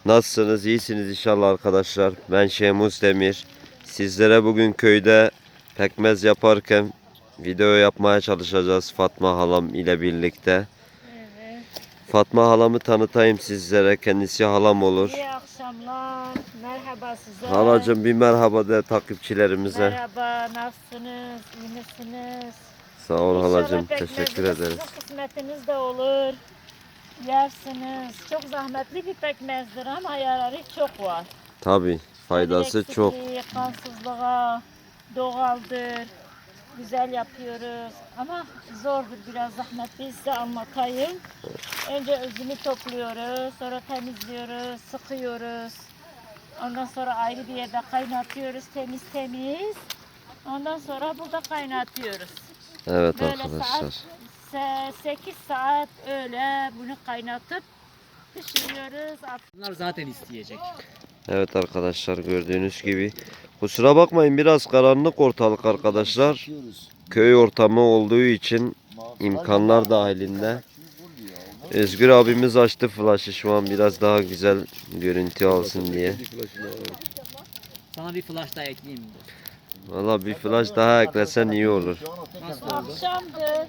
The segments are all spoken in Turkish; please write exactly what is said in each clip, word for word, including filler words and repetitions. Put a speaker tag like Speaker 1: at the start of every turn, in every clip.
Speaker 1: Nasılsınız? İyisiniz inşallah arkadaşlar. Ben Şemus Demir. Sizlere bugün köyde pekmez yaparken video yapmaya çalışacağız Fatma halam ile birlikte.
Speaker 2: Evet.
Speaker 1: Fatma halamı tanıtayım sizlere. Kendisi halam olur.
Speaker 2: İyi akşamlar. Merhaba size.
Speaker 1: Halacığım bir merhaba de takipçilerimize.
Speaker 2: Merhaba. Nasılsınız? İyi misiniz?
Speaker 1: Sağ ol halacığım.
Speaker 2: İnşallah
Speaker 1: Teşekkür
Speaker 2: pekmeziniz
Speaker 1: ederiz.
Speaker 2: Sizin kısmetiniz de olur. Yersiniz. Çok zahmetli bir pekmezdir ama yararı çok var.
Speaker 1: Tabi faydası
Speaker 2: Demir
Speaker 1: çok.
Speaker 2: eksikliği, kansızlığa, doğaldır. Güzel yapıyoruz. Ama zordur, biraz zahmetli, size anlatayım. Önce özünü topluyoruz, sonra temizliyoruz, sıkıyoruz. Ondan sonra ayrı bir yerde kaynatıyoruz, temiz temiz. Ondan sonra burada kaynatıyoruz.
Speaker 1: Evet
Speaker 2: Böyle
Speaker 1: arkadaşlar.
Speaker 2: saat sekiz saat öyle bunu kaynatıp pişiriyoruz.
Speaker 3: Bunlar zaten isteyecek.
Speaker 1: Evet arkadaşlar gördüğünüz gibi. Kusura bakmayın biraz karanlık ortalık arkadaşlar. Köy ortamı olduğu için imkanlar dahilinde. Özgür abimiz açtı flaşı şu an biraz daha güzel görüntü alsın diye.
Speaker 3: Sana bir flash daha ekleyeyim mi?
Speaker 1: Valla bir flash daha eklesen iyi olur.
Speaker 3: Nasıl oldu?
Speaker 2: Akşamdır.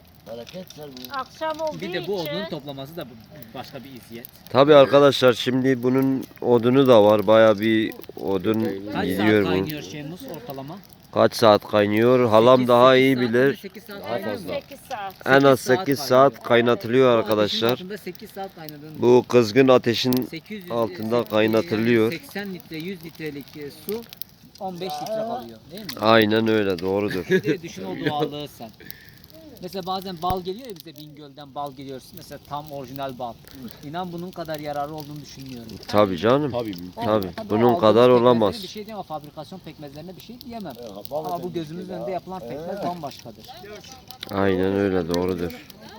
Speaker 2: Akşam olduğu
Speaker 3: Bir de bu
Speaker 2: için
Speaker 3: odun toplaması da bu- başka bir eziyet.
Speaker 1: Tabi arkadaşlar şimdi bunun odunu da var. Baya bir odun
Speaker 3: Kaç
Speaker 1: gidiyor
Speaker 3: saat
Speaker 1: bu.
Speaker 3: kaynıyor Şemus ortalama?
Speaker 1: Kaç saat kaynıyor? Halam
Speaker 3: sekiz-
Speaker 1: daha
Speaker 3: sekiz
Speaker 1: iyi
Speaker 3: saat mi?
Speaker 1: bilir.
Speaker 3: sekiz saat
Speaker 1: Daha
Speaker 3: kaynıyor mu?
Speaker 1: fazla.
Speaker 2: sekiz saat.
Speaker 1: En az
Speaker 3: sekiz saat
Speaker 1: sekiz
Speaker 3: kaynıyor.
Speaker 1: saat kaynatılıyor
Speaker 3: Bu ateşin
Speaker 1: arkadaşlar.
Speaker 3: altında sekiz saat kaynadığında
Speaker 1: Bu kızgın ateşin
Speaker 3: sekiz yüz
Speaker 1: altında
Speaker 3: yani
Speaker 1: kaynatılıyor.
Speaker 3: seksen litre yüz litrelik e, su on beş litre kalıyor değil mi?
Speaker 1: Aynen öyle doğrudur.
Speaker 3: Bir de düşün o doğallığı sen. Mesela bazen bal geliyor ya bize Bingöl'den bal geliyor. Mesela tam orijinal bal. İnan bunun kadar yararı olduğunu düşünmüyorum.
Speaker 1: Tabi canım.
Speaker 3: O-
Speaker 1: Tabii,
Speaker 3: tabii
Speaker 1: bunun
Speaker 3: aldığımız
Speaker 1: kadar
Speaker 3: pekmezlere
Speaker 1: olamaz.
Speaker 3: Bir şey diyemem, fabrikasyon pekmezlerine bir şey diyemem. Ama bu gözümüzün önünde yapılan pekmez bambaşkadır.
Speaker 1: Aynen öyle doğrudur.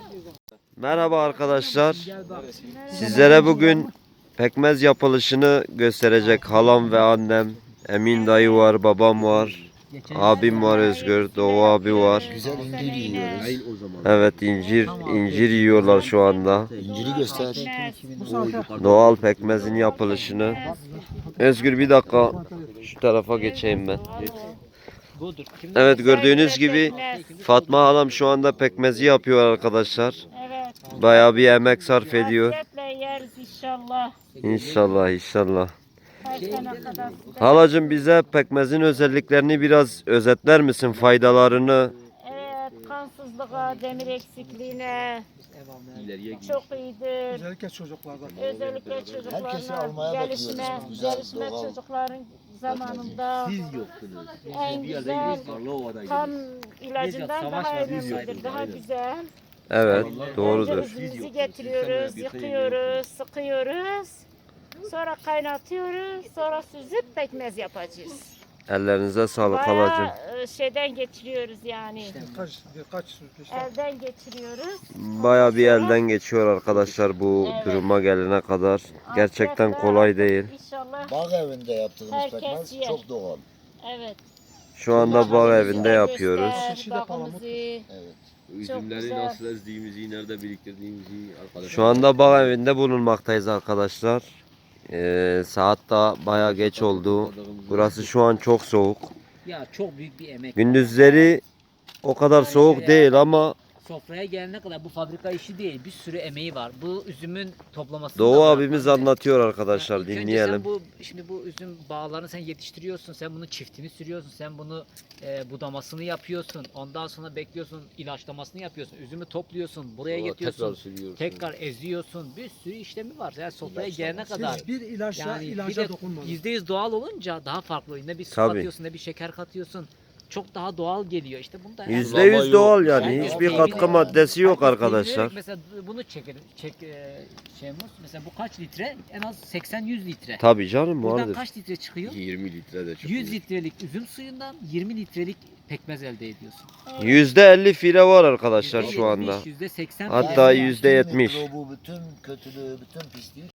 Speaker 1: Merhaba arkadaşlar. Sizlere bugün pekmez yapılışını gösterecek halam ve annem. Emin dayı var, babam var. Abim var Özgür, Doğu abi var.
Speaker 4: Güzel incir yiyoruz.
Speaker 1: Evet incir, incir yiyorlar şu anda.
Speaker 4: İnciri göster.
Speaker 1: Doğal pekmezin yapılışını. Özgür bir dakika şu tarafa geçeyim ben.
Speaker 3: Budur. Şimdi
Speaker 1: Evet gördüğünüz gibi Fatma halam şu anda pekmezi yapıyor arkadaşlar.
Speaker 2: Evet.
Speaker 1: Bayağı bir emek sarf ediyor.
Speaker 2: Afiyetle yeriz inşallah.
Speaker 1: İnşallah inşallah.
Speaker 2: Her sene kadar.
Speaker 1: Halacığım bize pekmezin özelliklerini biraz özetler misin? Faydalarını.
Speaker 2: Evet, kansızlığa, demir eksikliğine çok iyidir.
Speaker 5: Özellikle çocuklarda.
Speaker 2: Özellikle
Speaker 4: Herkesi
Speaker 2: çocuklarla
Speaker 4: almaya
Speaker 2: gelişme,
Speaker 4: bakıyoruz. Bu güzel,
Speaker 2: gelişme
Speaker 4: doğal.
Speaker 2: çocukların zamanında en güzel kan ilacından daha önemlidir, daha güzel.
Speaker 1: Evet
Speaker 2: Önce
Speaker 1: doğrudur.
Speaker 2: üzümümüzü getiriyoruz, yıkıyoruz, sıkıyoruz. Sonra kaynatıyoruz, sonra süzüp pekmez yapacağız.
Speaker 1: Ellerinize sağlık halacığım.
Speaker 2: Bayağı e, şeyden geçiriyoruz yani.
Speaker 5: Birkaç, birkaç işte.
Speaker 2: Elden geçiriyoruz.
Speaker 1: Bayağı bir elden geçiyor arkadaşlar bu
Speaker 2: Evet.
Speaker 1: duruma gelene kadar. Gerçekten
Speaker 2: Afiyetle
Speaker 1: kolay değil.
Speaker 2: İnşallah.
Speaker 4: Bağ evinde yaptığımız
Speaker 2: Herkes
Speaker 4: pekmez
Speaker 2: yer.
Speaker 4: çok doğal.
Speaker 2: Evet.
Speaker 1: Şu anda bağ evinde yapıyoruz.
Speaker 2: Göster bağımızı.
Speaker 4: Evet.
Speaker 6: Üzümleri
Speaker 2: güzel.
Speaker 6: nasıl ezdiğimizi, nerede biriktirdiğimizi arkadaşlar.
Speaker 1: Şu anda bağ evinde bulunmaktayız arkadaşlar. Ee, saat da bayağı geç oldu. Burası şu an çok soğuk.
Speaker 3: ya çok büyük bir emek.
Speaker 1: Gündüzleri o kadar soğuk değil ama
Speaker 3: Sofraya gelene kadar bu fabrika işi değil. Bir sürü emeği var. Bu üzümün toplaması.
Speaker 1: Doğu abimiz anlatıyor arkadaşlar,
Speaker 3: İlk önce
Speaker 1: dinleyelim.
Speaker 3: Sen bu, şimdi bu üzüm bağlarını sen yetiştiriyorsun. Sen bunun çiftini sürüyorsun. Sen bunu e, budamasını yapıyorsun. Ondan sonra bekliyorsun. ilaçlamasını yapıyorsun. Üzümü topluyorsun. Buraya
Speaker 6: Sonra
Speaker 3: getiriyorsun.
Speaker 6: tekrar sürüyorsun.
Speaker 3: Tekrar eziyorsun. Bir sürü işlemi var. Yani sofraya gelene kadar.
Speaker 5: Hiçbir ilaçla
Speaker 3: Yani bir
Speaker 5: ilaca
Speaker 3: de
Speaker 5: dokunmadım.
Speaker 3: yüzde yüz doğal olunca daha farklı oluyor. Ne bir su
Speaker 1: Tabii.
Speaker 3: katıyorsun ne bir şeker katıyorsun. Çok daha doğal geliyor. İşte bunda
Speaker 1: Yüzde yüz doğal yani.
Speaker 3: Yani
Speaker 1: Hiçbir
Speaker 3: o
Speaker 1: katkı
Speaker 3: evine-
Speaker 1: maddesi yok
Speaker 3: herkes
Speaker 1: arkadaşlar.
Speaker 3: bilerek Mesela bunu çekelim. Çek e, Şemus. Mesela bu kaç litre? En az seksen yüz litre.
Speaker 1: Tabii canım
Speaker 3: Buradan
Speaker 1: vardır.
Speaker 3: kaç litre çıkıyor?
Speaker 6: yirmi litre de çok.
Speaker 3: yüz litrelik üzüm suyundan yirmi litrelik pekmez elde ediyorsun.
Speaker 1: Yüzde elli fire var arkadaşlar
Speaker 3: yüzde
Speaker 1: şu anda.
Speaker 3: yetmiş, yüzde seksen
Speaker 1: Hatta
Speaker 3: file var.
Speaker 1: yüzde yetmiş.
Speaker 4: Bütün mikrobu, bütün kötülüğü, bütün pisliği